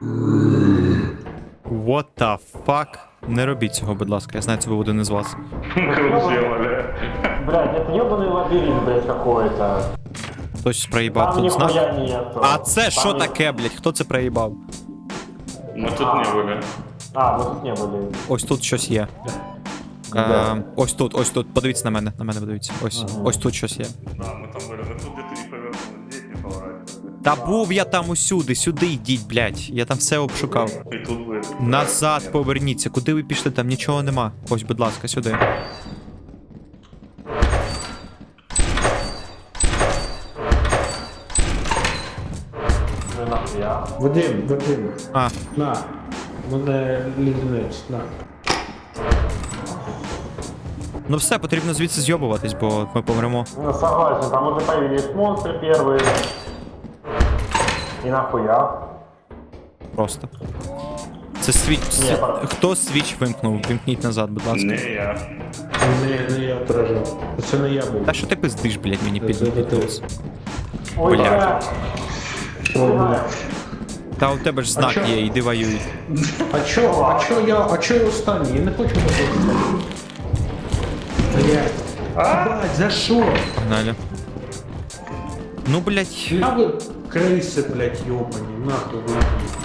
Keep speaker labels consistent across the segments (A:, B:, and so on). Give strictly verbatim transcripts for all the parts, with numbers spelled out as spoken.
A: What the fuck? Не робіть цього, будь ласка, я знаю, це був один із вас.
B: Блядь, это ебаный лабиринт, блядь, какой-то.
A: Хтось проїбав
B: Там
A: тут знак.
B: нихуя нету.
A: А це
B: Там
A: що
B: ни-
A: таке, блядь? Хто це проїбав?
C: Мы тут не были.
B: А, мы тут не были.
A: Ось тут щось є.
B: Да.
A: Е, ось тут, ось тут. Подивіться на мене, на мене подивіться. Ось,
B: Ага.
A: ось тут щось є.
C: Да, мы там были. Мы тут где-то не повернули, здесь не поворачивали.
A: Та був я там усюди, сюди йдіть, блядь. Я там все обшукав.
C: И тут были.
A: Назад поверніться. Куди ви пішли? Там нічого нема. Ось, будь ласка, сюди.
B: Ну нахуя.
D: Вадим, Вадим,
A: А,
D: на. Мене лізнець, на.
A: ну все, потрібно звідси зйобуватись, бо ми помремо.
B: Ну согласен, там уже появились монстры первые. И нахуя.
A: Просто. Це свіч.
B: Ні, пара.
A: Хто свіч вимкнув? Вимкніть назад, будь ласка.
C: Не я.
D: Не, не я отражав. Це не я був.
A: Та що ти пиздиш, блядь, мені
D: Це-
A: під
D: це-
A: під
D: це-
A: нос?
B: Ой,
A: Блядь.
B: блядь.
D: О, бля.
A: Та у тебе ж знак
D: чо?
A: є, іди воюй.
D: А чо, а чо я, а чо я останній? Я не хочу бути. Блядь. Блядь, за що?
A: Погнали. Ну, блядь.
D: Я ви криси, блядь, йобані, нахуй ви.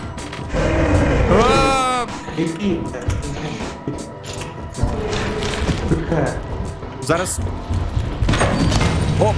A: А!
D: Іди.
A: Зараз. Оп!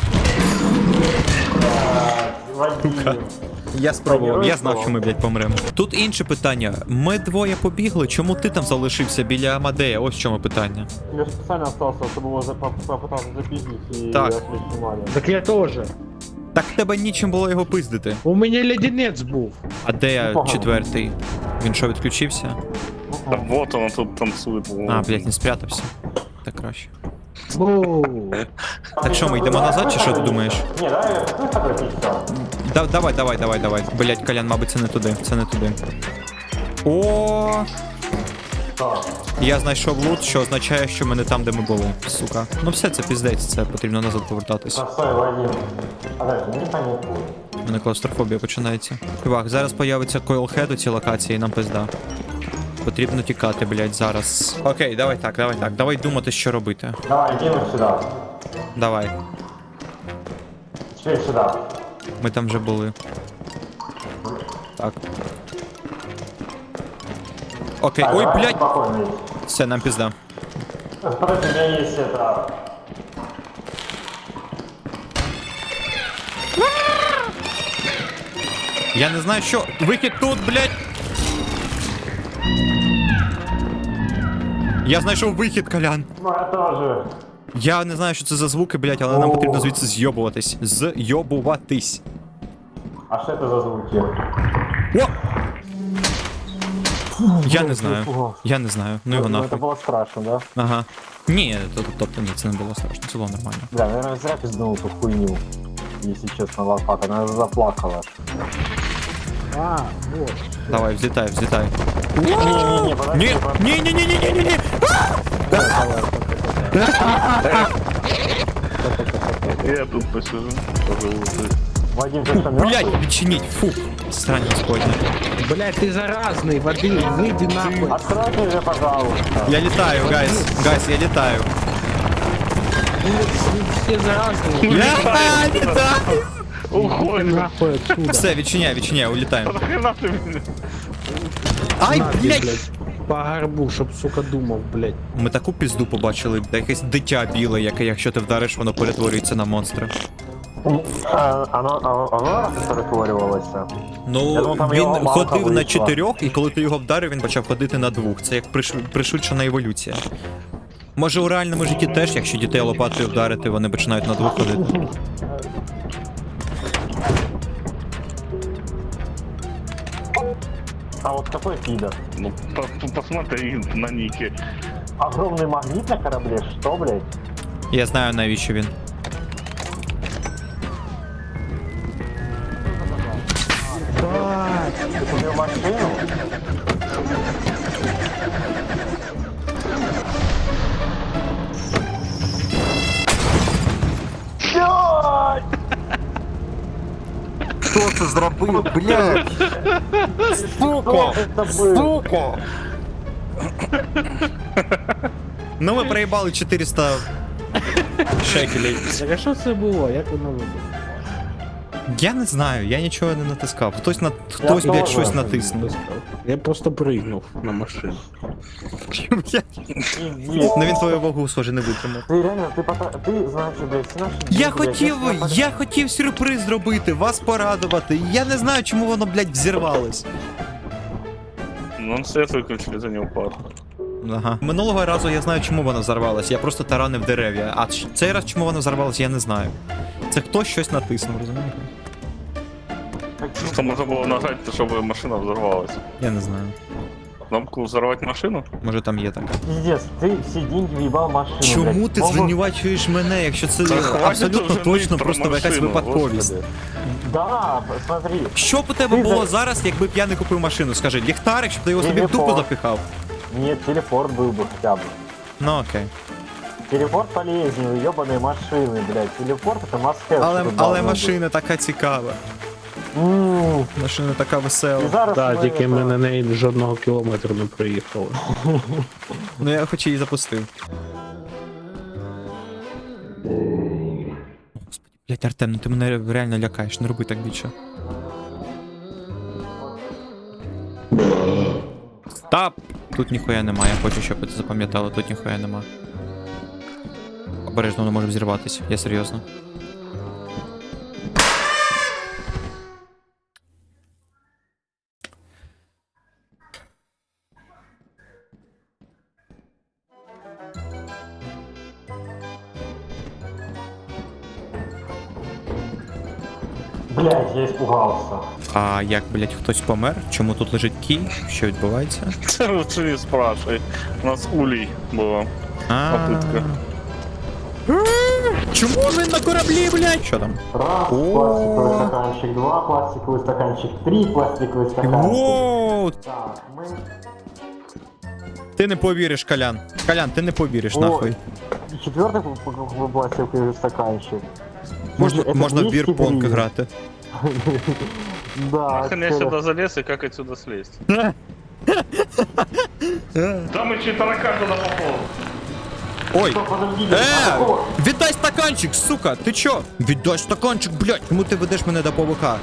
B: Вадим.
A: Я спробував, я знав,
B: Герой
A: що ми, блядь, помремо. Тут інше питання. Ми двоє побігли, чому ти там залишився біля Амадея? Ось в чому питання.
B: Я специально остался, чтобы его за- поп- попытался запиздить и
A: Так.
B: отвлечь внимание.
D: Так я теж.
A: Так в тебе нічим було його пиздити.
D: У мене леденець був.
A: А де я
B: Непогано.
A: четвертий? Він що, відключився?
C: Да вот он тут танцует.
A: А, блядь, не спрятався. Так краще.
D: Воу.
A: Так що, ми йдемо назад, чи що ти думаєш?
B: Не, давай я с тобой пиздец.
A: Да, давай, давай, давай, давай. Блядь, Колян, мабуть, це не туди. Це не туди. О,
B: Так.
A: я знайшов лут, що означає, що ми не там, де ми були. Сука. Ну все, це піздець, це потрібно назад повертатись.
B: А, стой, Вадим. Подожди, не паникуй.
A: У мене клаустрофобія починається. Чувак, зараз появиться койлхед у цій локації, і нам пизда. Потрібно тікати, блядь, зараз. Окей, давай так, давай так. Давай думати, що робити.
B: Давай, иди вот сюда.
A: Давай.
B: Теперь сюда.
A: Ми там вже були. Так. Окей,
B: Так,
A: ой,
B: давай
A: блядь!
B: спокойно иди.
A: Все, нам пизда.
B: Подожди, у меня есть это...
A: Я не знаю, що. Вихід тут, блядь! Я знайшов вихід, Колян.
B: Ну, я тоже.
A: Я не знаю, що це за звуки, блядь, але нам
B: О.
A: потрібно звідси зйобуватись. Зйобуватись.
B: А что это за звуки?
A: О! Я не знаю. Я не знаю. Ну його
B: Ну, это
A: нахуй.
B: было страшно, да?
A: Ага. Ні, то- тобто ні, це не було страшно, це було нормально.
B: Бля, наверное, зря пизданул эту хуйню. Если честно, лопата, она заплакала.
D: А, вот.
A: Давай, взлітай, взлітай.
B: Не-не-не, подожди,
A: Ні,
B: подожди.
A: ні, ні, ні, ні, ні, ні, ні.
C: Я тут посижу. Пожалуйста.
B: Вадим, ты что, мертвый?
A: Блядь, відчиніть, фу. Срань господня.
D: Блядь, ты заразный, Вадим, выйди нахуй.
B: Откройте же, пожалуйста.
A: Я літаю, гайс. Гайс, я літаю.
D: Все заразные.
A: Я літаю.
C: Уходим.
D: Нахуй отсюда.
A: Все, відчиняй, відчиняй, улітаємо.
C: Нахрена ты меня?
A: Ай,
D: На,
A: блядь.
D: блядь. По горбу, чтоб, сука, думал, блядь.
A: Ми таку пізду побачили, де якесь дитя біле, яке, якщо ти вдариш, воно перетворюється на монстра.
B: А, Оно, оно, оно перетворювалося. Я
A: Ну,
B: думав, там
A: він
B: його мамка
A: ходив на
B: вийшла.
A: чотирьох, і коли ти його вдарив, він почав ходити на двох. Це як приш... пришвидшена еволюція. Може у реальному житті теж, якщо дітей лопатою вдарити, вони починають на двох ходити.
B: А вот какой пидор?
C: Ну, по- по- посмотри на нике.
B: Огромный магнит на корабле? Что, блядь?
A: Я знаю, навіщо він.
B: Ты купил машину? Блядь! Кто
A: це зробив, блядь? Сука!
B: Это было.
A: Сука! Ну ми проїбали чотириста шекелей.
D: Так а що це було? Як воно вибухало?
A: Я не знаю, я нічого не натискав. Хтось на хтось, блядь,
B: теж
A: щось
B: не
A: натиснув.
D: Я просто пригнув на машину.
A: Блядь.
B: Пиздец.
A: Ну він твою вагу, схоже, не витримав.
B: Ты реально, ты пока, ты, значит, блядь, все наши
A: Я
B: деньги,
A: хотів,
B: блядь, я
A: я хотів сюрприз зробити, вас порадувати. Я не знаю, чому воно, блядь, взірвалось.
C: Ну, он свет выключили, за не упал.
A: Ага. Минулого разу я знаю, чому воно взорвалось. Я просто таранив дерев'я. А ч- цей раз чому воно взорвалось, я не знаю. Це хтось щось натиснув, розумієте?
C: Что можно было нажать, чтобы машина взорвалась?
A: Я не знаю.
C: Кнопку взорвать машину?
A: Може там є така.
B: Пиздец, ты все деньги въебал в машину,
A: Чому
B: блядь.
A: ти
B: Мог бы-
A: звинувачуєш мене, якщо це
C: Та хватить
A: абсолютно
C: вже
A: точно
C: ныть
A: просто
C: про
A: якась
C: машину,
A: випадковість?
C: господи.
B: Да, смотри.
A: Що б у тебе
B: Ти
A: було
B: за-
A: зараз, якби б я не купив машину? Скажи, ліхтарик, щоб ти його собі в дупу
B: Телефон.
A: запихав?
B: Нет, телепорт был бы хотя бы.
A: Ну окей.
B: Телепорт полезнее, ебаные машины, блядь. Телепорт это must-have.
A: Але,
B: что тут
A: але
B: должно
A: машина така цікава.
B: быть. М,
A: Машина така весела.
B: И зараз
D: Так,
B: мы
D: тільки
B: это-
D: ми на неї жодного кілометру не проїхали.
A: Ну я хоч її запустив. Господи, блять, Артем, ну ти мене реально лякаєш, не роби так більше. Стоп! Тут ніхуя нема, я хочу, щоб ви це запам'ятали, тут ніхуя нема. Обережно, воно може взірватися, я серйозно.
B: Блядь, я испугался.
A: А як, блять, хтось помер? Чому тут лежить кій? Що відбувається?
C: Ты лучше не спрашивай. У нас улей было.
A: А.
C: Попитка.
A: Чому він на кораблі, блять? Що там?
B: Раз,
A: О.
B: пластиковый стаканчик, два, пластиковый стаканчик, три, пластиковый стаканчик.
A: Воу!
B: Так, мы...
A: Ти не повіриш, Колян. Колян, ти не повіриш,
B: О,
A: нахуй.
B: Четвертый п- п- п- пластиковый стаканчик.
A: Можна,
B: Это
A: можна в
B: двести
A: бірпонг
B: гривен.
A: грати.
B: Да,
C: Нахрен я
B: всё.
C: сюда залез и как отсюда слезть? Там и таракан туда попал.
A: Ой!
B: Стоп, подождите, а
A: Е!
B: какого-
A: Віддай стаканчик, сука! Ти чо? Віддай стаканчик, блядь! Чому ти ведеш мене до павука?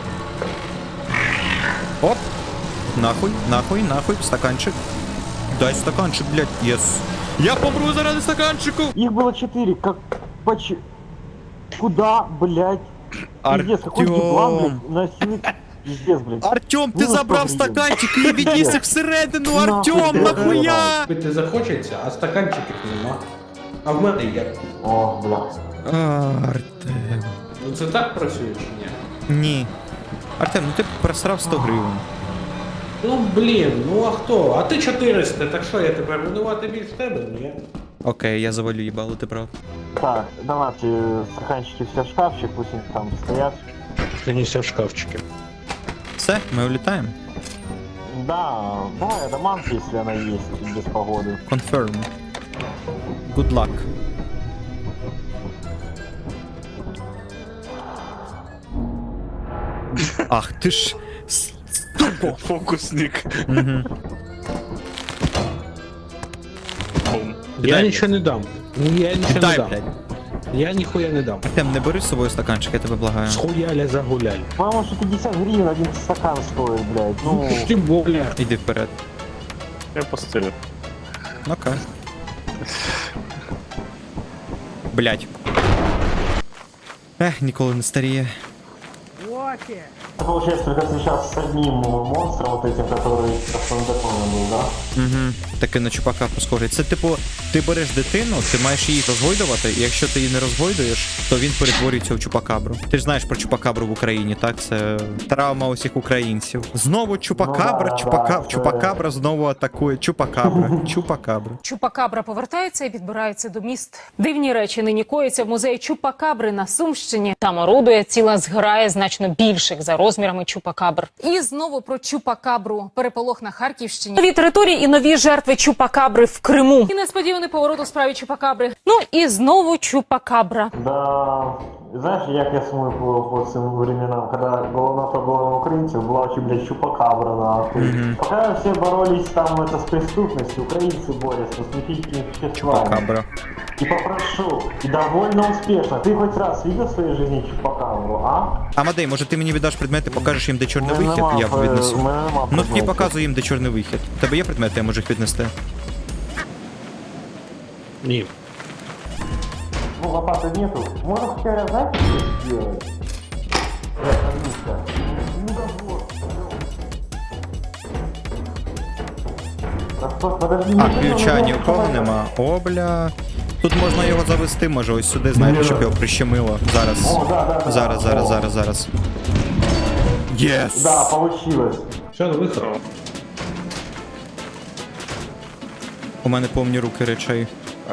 A: Оп! Нахуй, нахуй, нахуй, стаканчик. Дай стаканчик, блядь, єс. Я помру заради стаканчику!
B: Их было четыре, как... Поч... Куда, блядь? Пиздец, какой еблан,
A: Артем!
B: блядь, носит... Пиздец, блядь.
A: Артем, ти
B: Ну,
A: забрав
B: що, блін?
A: стаканчик і відніс їх всередину,
B: Нахуй
A: Артем,
B: ти
A: нахуя?
D: Пити захочеться, а стаканчиків нема. А в мене є.
B: О, бля.
A: Артем.
D: Ну це так працює чи ні?
A: Ні. Артем, ну ти просрав сто гривень.
D: Ну блін, ну а хто? А ти чотириста, так що я тепер винувати більш тебе? Ні.
A: Окей, я завалю їбало, ти прав.
B: Так, давайте стаканчики все в шкафчик, пусть они там стоят.
D: Станіся в шкафчики.
A: Все, ми улітаємо.
B: Да, давай адамант, если она есть, без погоды.
A: Confirm. Good luck. Ах ти ж. с- Ступо.
C: Фокусник.
A: Мгм.
C: Бум.
D: Я
A: Дай,
D: нічого не дам. Ні, я нічого не
A: Дай,
D: дам.
A: блядь.
D: Я ніхуя не дам.
A: Артем, не бери з собою стаканчик, я тебе благаю.
D: Схуяля загуляй.
B: По-моему, что пятьдесят гривен один стакан стоит, блядь. Ну,
D: Ну, тим более.
A: Іди вперед.
C: Я постелю.
A: Окей. Блять. Ех, ніколи не старіє.
B: это получается только сейчас с одним монстром, вот этим, который автоматоном был, да?
A: Угу. Таке на чупакабру схожий. Це типу, ти береш дитину, ти маєш її розгойдувати, і якщо ти її не розгойдуєш, то він перетворюється в чупакабру. Ти ж знаєш про чупакабру в Україні, так? Це травма усіх українців. Знову чупакабра,
B: Ну да,
A: чупака...
B: да, це-
A: чупакабра знову атакує. Чупакабра, чупакабра.
E: Чупакабра повертається і підбирається до міст. Дивні речі нині коїться в музеї Чупакабри на Сумщині. Там орудує ціла зграя значно більших за розмірами чупакабр. І знову про Чупакабру. Переполох на Харківщині. Нові території і нові жертви Чупакабри в Криму. І несподівано Несподіваний поворот у справі Чупакабри. Ну і знову Чупакабра.
B: Да, знаешь, як я сумую по, по цим временам, когда головна проблема українців була очень, блядь, чупакабра, нахуй.
A: Мгм.
B: Пока все боролись там это с преступностью, украинцы борются с мифическими существами.
A: Чупакабра.
B: И попрошу, и довольно успешно. Ты хоть раз видел в своей жизни чупакабру, а?
A: Амадей, може ти мені віддаш предмети, покажеш їм, де чорний
B: Мене
A: вихід,
B: нема,
A: я
B: е,
A: віднесу.
B: мене нема
A: Ну тоді
B: предметів.
A: показуй їм, де чорний вихід. У тебе є предмети, я можу їх віднести.
D: Ні.
B: Ну, лопаты нету. Можно хотя бы, знаете, что сделать? Э, Анюшка, ну да вот. Да что, подожди,
A: А,
B: не
A: ключа
B: надо,
A: ні у
B: ну,
A: кого
B: давай.
A: нема. О, бля. Тут можна його завести, може, ось сюди, знаєте, щоб його прищемило. Зараз.
B: О, да, да, да.
A: Зараз, зараз,
B: О.
A: зараз, зараз. Єс!
B: Да, получилось.
D: Все, на виход.
A: У мене повні руки речей.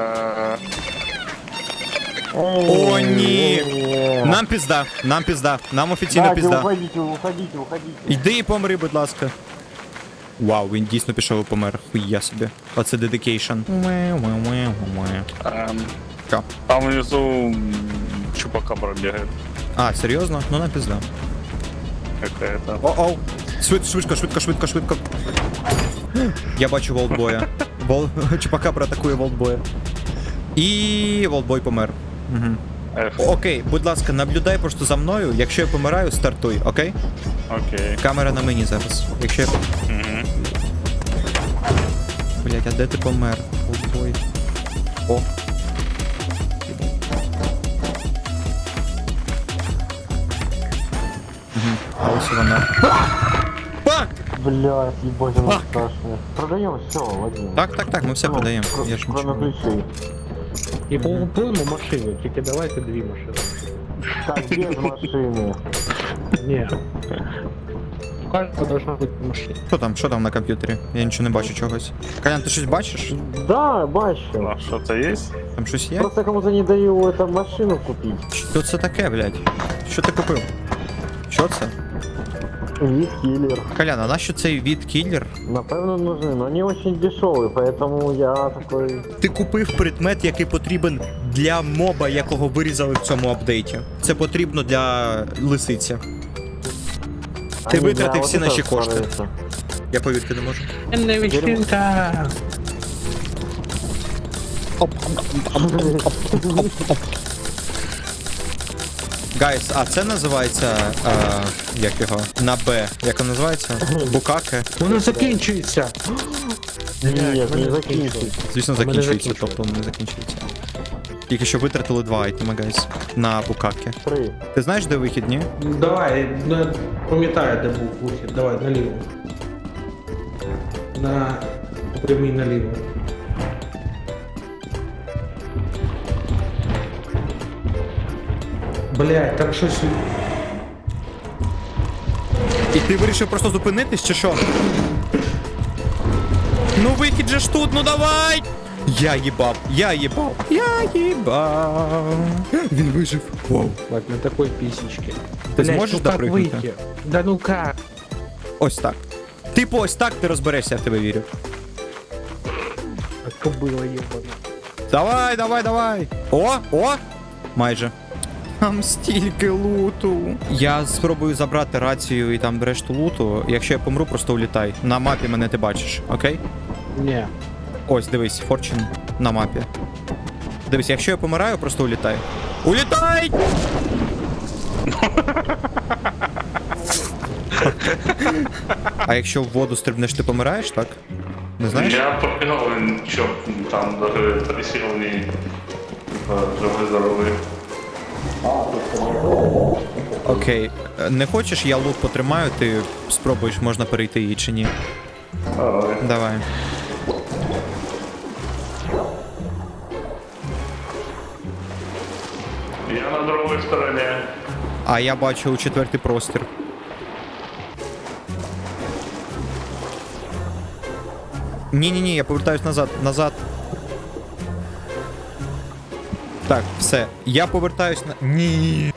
B: Эй,
A: О, ні!
B: эй,
A: Нам пізда, нам пізда, нам офіційно
B: Дайте,
A: пізда.
B: уходите, уходите, уходите.
A: Йди і помри, будь ласка. Вау, він дійсно пішов і помер. Хуя собі. Оце дедикейшн.
C: Эм,
A: Що?
C: Там внизу м, чупакабра бегает
A: А, серйозно? Ну на пізда.
C: какая-то.
A: О-оу. Швид, швидко, швидко, швидко, швидко. Я бачу волтбоя. Вол... Чупакабра атакує волтбоя. І волтбой помер. Угу.
C: Эх,
A: Окей, будь ласка, наблюдай просто за мною. Якщо я помираю, стартуй, окей?
C: окей.
A: Камера на мені зараз. Якщо я...
C: Мгм.
A: Блять, а де ти помер? Волтбой. О. Угу. А ось і вона. Фак!
B: Блядь, ебать, оно
A: Фак.
B: страшное. Продаем все, Вадим.
A: Так, так, так, ми все
B: Ну,
A: продаємо.
B: кр-
A: Я ж
B: Кроме
A: нічого.
B: ключей.
D: І полупимо машину, тільки давайте дві машини.
B: Так, без машины.
D: Ні. У кожного должна бути машина.
A: Що там, що там на комп'ютері? Я нічого не бачу чогось. Колян, ти щось бачиш?
B: Да, бачу.
C: А что-то есть?
A: Там щось є?
B: Просто кому-то не даю эту машину купить.
A: Що це таке, блядь? Що ти купив? Що це?
B: Вид киллер.
A: Колян, а нащо цей від кіллер?
B: Напевно, нужны, но они очень дешевые, поэтому я такой...
A: Ти купив предмет, який потрібен для моба, якого вирізали в цьому апдейті. Це потрібно для лисиці. Ти
B: А,
A: витратив
B: не,
A: всі
B: вот
A: наші
B: это
A: кошти.
B: становится.
A: Я повірити не можу.
D: Не вечірка.
A: Гайс, а це називається. А, як його? На Б. Як воно називається? Букаке.
D: Воно закінчується.
B: Нет,
D: мене
B: не закиньте.
A: Звісно,
D: У мене
A: закінчується,
D: закінчується.
A: тобто не закінчується. Тільки що витратили два айтеми, гайс. На букаке.
B: Три.
A: Ти знаєш, де вихід, ні?
D: Давай, на... пам'ятаю, де був вихід. Давай, наліво. На прямий наліво. Блять, там щось.
A: І ти вирішив просто зупинитись, чи що? Ну вихід же ж тут, ну давай! Я їбав, я їбав, я їбав. Він вижив. Вау.
D: Так, на такой писечке.
A: Ти
D: Блядь,
A: зможеш
D: ну как
A: допригнути?
D: выйти? Да ну как?
A: Ось так. Типу, ось так ти розберешся, я в тебе вірю.
D: А то было ебано.
A: Давай, давай, давай. О, о! Майже. Там стільки луту. Я спробую забрати рацію і там решту луту. Якщо я помру, просто улітай. На мапі мене ти бачиш, окей?
D: Не.
A: Ось, дивись, Fortune на мапі. Дивись, якщо я помираю, просто улітай. Улітай! А якщо в воду стрибнеш, ти помираєш, так? Не знаєш?
C: Я побегал, чё, там даже трясил не типа, живой здоровый.
A: Окей. Не хочеш, я лут потримаю, ти спробуєш, можна перейти її чи ні.
C: Давай.
A: Давай.
C: Я на другой стороне.
A: А я бачу у четвертий простір. Ні-ні-ні, я повертаюсь назад, назад. Так, все. Я повертаюсь на. Ні.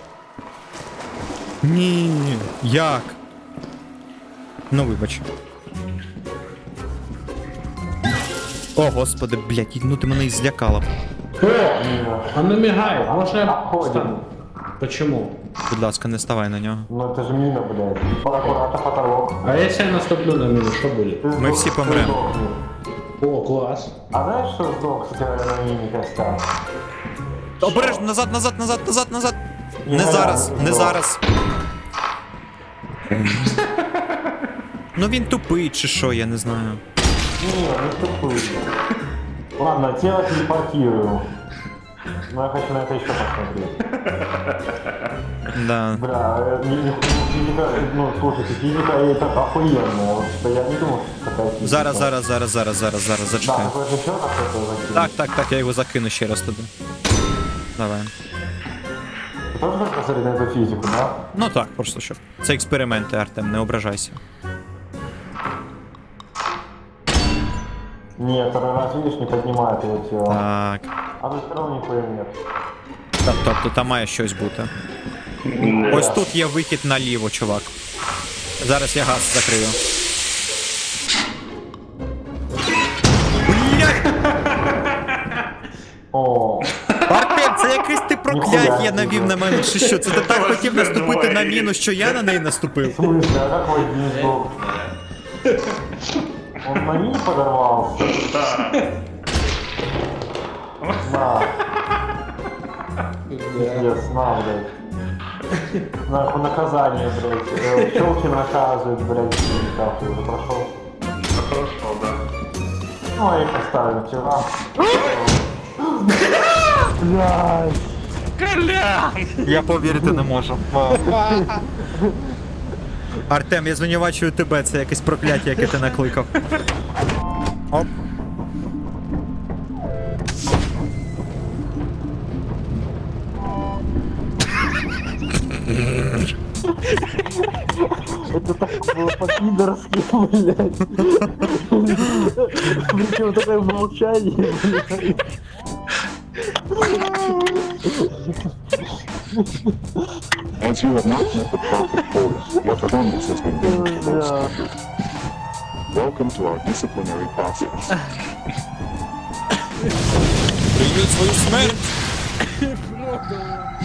A: Ні. Як? Ну, вибач. О, господи, блядь, ну ти мене і злякала.
D: О, а не мигай, може я
B: Обходим.
D: встану? Почему?
A: Будь ласка, не ставай на нього.
B: Ну это же мина, блядь. Аккуратно, потолок.
D: А если я наступлю на мину, что будет?
B: Ты
A: Ми
B: сдох-
A: всі
B: ты
A: помремо.
B: сдохнешь.
D: О, класс.
B: А знаешь, что сдох с тебя на мине костяк?
A: Обережно, назад, назад, назад, назад, назад. Не
B: Ні,
A: зараз,
B: ні,
A: не
B: ні.
A: зараз. Ну він тупий чи що, я не знаю.
B: Не, не тупый. Ладно, тело телепортирую. Но я хочу на это еще посмотреть.
A: Да.
B: Бля, э, ми- ми- физика, ну слушайте, физика это охуенная. Вот что я не думал, что такая физика.
A: Зараз, зараз, зараз, зараз, зараз, зараз,
B: Да,
A: зачекай.
B: такое же еще раз это закинуть.
A: Так, так, так, я його закину ще раз туди. Давай.
B: Ты тоже хочешь посмотреть на эту физику, да?
A: Ну так, просто щоб. Це експерименти, Артем, не ображайся.
B: Нет, второй раз, видишь, не поднимает его тело.
A: Так.
B: А тут все равно нихуя нет.
A: Та- Тобто там має щось бути.
C: Ні.
A: Ось тут є вихід наліво, чувак. Зараз я газ закрию. Блядь!
B: О,
A: Артем, це якесь ти прокляття
B: Ніхуя
A: навів
B: собі.
A: на мене, чи що? Це ти так хотів наступити на міну, що я на неї наступив?
B: в смысле, а как Вадим сдох? Он на мине подорвался? На. Пиздец, на, блядь. Нахуй наказание, блядь. Э, Щелкин наказывает, блядь, как ты уже прошел.
C: Це хорошо, да.
B: Ну, а я их оставлю вчера. Блядь.
A: Я повірити не можу. Артем, я звинувачую тебе, це якесь прокляття, яке ти накликав. Оп.
B: Это так было по-пидорски, блядь. Причем такое молчание, блядь.
F: As you have not met the proper quota, your performance has been deemed
B: Бля.
F: suspended. Welcome to our disciplinary process.
A: Прийміть свою смерть!